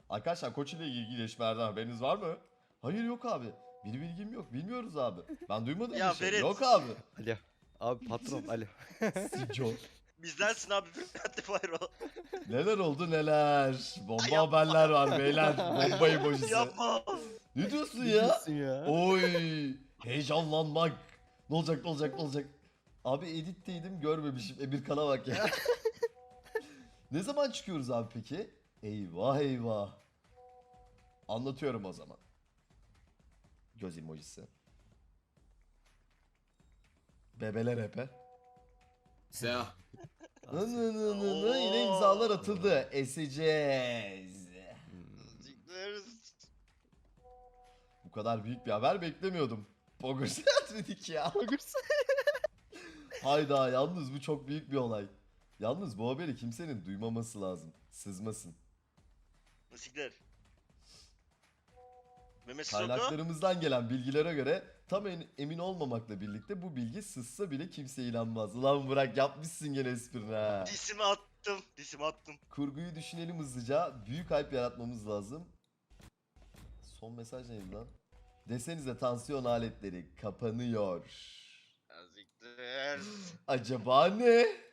Arkadaşlar Koç ile ilgili gelişmelerden haberiniz var mı? Hayır yok abi. Bir bilgim yok. Bilmiyoruz abi. Ben duymadım Ya bir şey. Ferit. Yok abi. Alo. Abi patron alo. Sico. Bizdensin abi Bülent Bayro. Neler oldu neler. Bomba Yapma. haberler var beyler. Bomba emojisi. Yapma. Ne diyorsun Ne ya? diyorsun ya? Oy. Heyecanlanmak. Ne olacak ne olacak ne olacak. Abi editteydim görmemişim. Emirkan'a bak ya. Ne zaman çıkıyoruz abi peki? Eyvah eyvah. Anlatıyorum o zaman. Göz emojisi. Bebeler epe. Siyah. Yine imzalar atıldı. Eseceğiz. Bu kadar büyük bir haber beklemiyordum. Poggers dedik ya. Hayda yalnız bu çok büyük bir olay. Yalnız bu haberi kimsenin duymaması lazım. Sızmasın. Siktir. Mehmet Sissoko. Kaynaklarımızdan gelen bilgilere göre tam emin olmamakla birlikte bu bilgi sızsa bile kimse inanmaz. Ulan Burak yapmışsın gene esprini ha. Disimi attım. Disimi attım. Kurguyu düşünelim hızlıca. Büyük hype yaratmamız lazım. Son mesaj neydi lan? Desenize tansiyon aletleri kapanıyor. Siktir. Acaba ne?